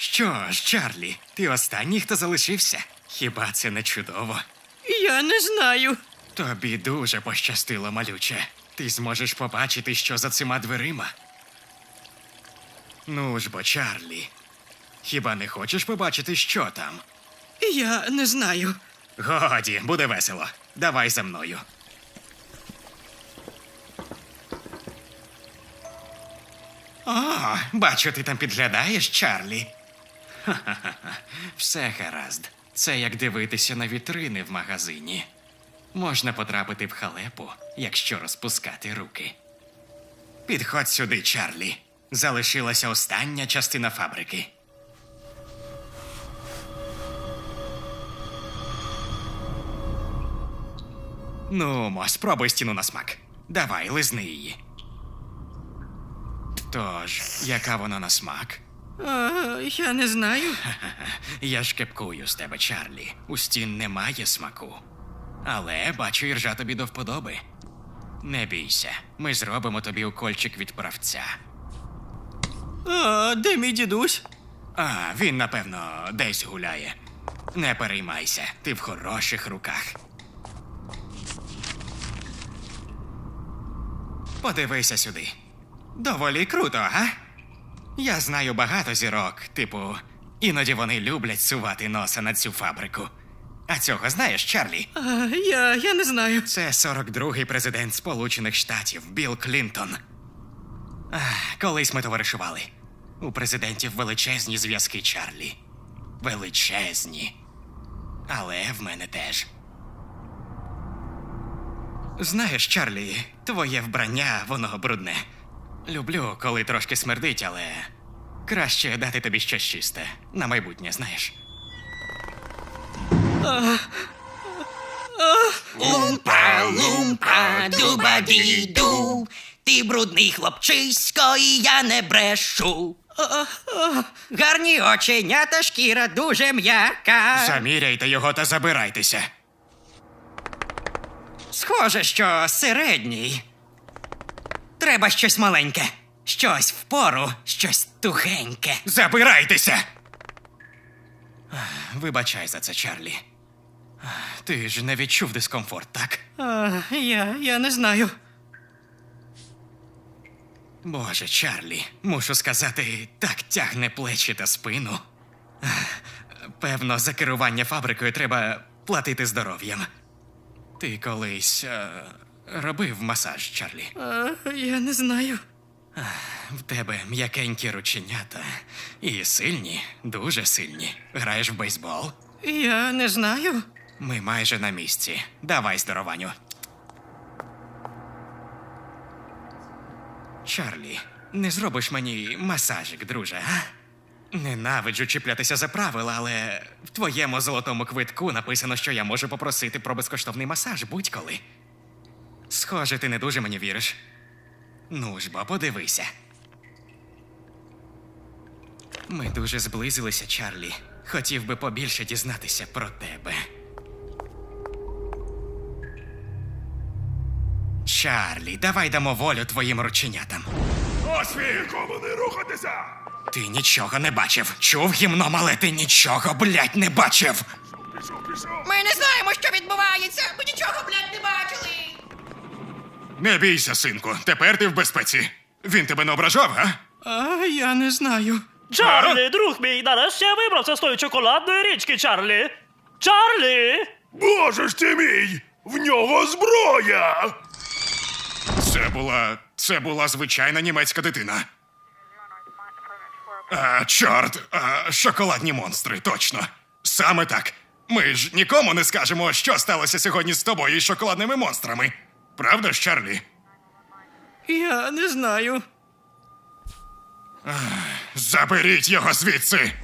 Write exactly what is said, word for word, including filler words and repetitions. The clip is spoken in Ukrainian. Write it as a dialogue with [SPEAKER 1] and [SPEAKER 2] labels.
[SPEAKER 1] Що ж, Чарлі, ти останній, хто залишився? Хіба це не чудово?
[SPEAKER 2] Я не знаю.
[SPEAKER 1] Тобі дуже пощастило, малюче. Ти зможеш побачити, що за цими дверима. Ну ж бо, Чарлі, хіба не хочеш побачити, що там?
[SPEAKER 2] Я не знаю.
[SPEAKER 1] Годі, буде весело. Давай за мною. О, бачу, ти там підглядаєш, Чарлі. Ха-ха-ха. Все гаразд. Це як дивитися на вітрини в магазині. Можна потрапити в халепу, якщо розпускати руки. Підходь сюди, Чарлі. Залишилася остання частина фабрики. Ну, мо, спробуй стіну на смак. Давай, лизни її. Тож, яка вона на смак?
[SPEAKER 2] А, я не знаю.
[SPEAKER 1] Я ж кепкую з тебе, Чарлі. У стін немає смаку. Але, бачу, іржа тобі до вподоби. Не бійся, ми зробимо тобі укольчик від правця.
[SPEAKER 2] А, де мій дідусь?
[SPEAKER 1] А, він, напевно, десь гуляє. Не переймайся, ти в хороших руках. Подивися сюди. Доволі круто, га? Я знаю багато зірок, типу, іноді вони люблять сувати носа на цю фабрику. А цього знаєш, Чарлі?
[SPEAKER 2] А, я, я не знаю.
[SPEAKER 1] Це сорок другий президент Сполучених Штатів Білл Клінтон. Ах, колись ми товаришували. У президентів величезні зв'язки, Чарлі. Величезні. Але в мене теж. Знаєш, Чарлі, твоє вбрання, воно брудне. Люблю, коли трошки смердить, але краще дати тобі щось чисте. На майбутнє, знаєш.
[SPEAKER 3] Лумпа, лумпа, дуба-ді-ду. Ти брудний хлопчисько, і я не брешу. Гарні оченята, шкіра дуже м'яка.
[SPEAKER 1] Заміряйте його та забирайтеся.
[SPEAKER 3] Схоже, що середній. Треба щось маленьке. Щось впору, щось тухеньке.
[SPEAKER 1] Забирайтеся! Ах, вибачай за це, Чарлі. Ах, ти ж не відчув дискомфорт, так?
[SPEAKER 2] А, я, я не знаю.
[SPEAKER 1] Боже, Чарлі, мушу сказати, так тягне плечі та спину. Ах, певно, за керування фабрикою треба платити здоров'ям. Ти колись е, робив масаж, Чарлі?
[SPEAKER 2] А, я не знаю.
[SPEAKER 1] В тебе м'якенькі рученята. І сильні, дуже сильні. Граєш в бейсбол?
[SPEAKER 2] Я не знаю.
[SPEAKER 1] Ми майже на місці. Давай, здорованю. Чарлі, не зробиш мені масажик, друже, а? Ненавиджу чіплятися за правила, але в твоєму золотому квитку написано, що я можу попросити про безкоштовний масаж будь-коли. Схоже, ти не дуже мені віриш. Ну ж бо, подивися. Ми дуже зблизилися, Чарлі. Хотів би побільше дізнатися про тебе. Чарлі, давай дамо волю твоїм рученятам.
[SPEAKER 4] Нікому не рухатися!
[SPEAKER 1] Ти нічого не бачив. Чув гімном, але ти нічого, блядь, не бачив.
[SPEAKER 4] Пішов, пішов!
[SPEAKER 3] Ми не знаємо, що відбувається. Ми нічого, блядь, не бачили.
[SPEAKER 1] Не бійся, синку, тепер ти в безпеці. Він тебе не ображав, а?
[SPEAKER 2] А, я не знаю.
[SPEAKER 5] Чарлі, друг мій, нарешті я вибрався з тої чоколадної річки, Чарлі. Чарлі!
[SPEAKER 4] Боже ж ти мій! В нього зброя!
[SPEAKER 1] Це була... це була звичайна німецька дитина. А, чорт, а, шоколадні монстри, точно. Саме так. Ми ж нікому не скажемо, що сталося сьогодні з тобою і шоколадними монстрами. Правда ж, Чарлі?
[SPEAKER 2] Я не знаю.
[SPEAKER 1] Заберіть його звідси!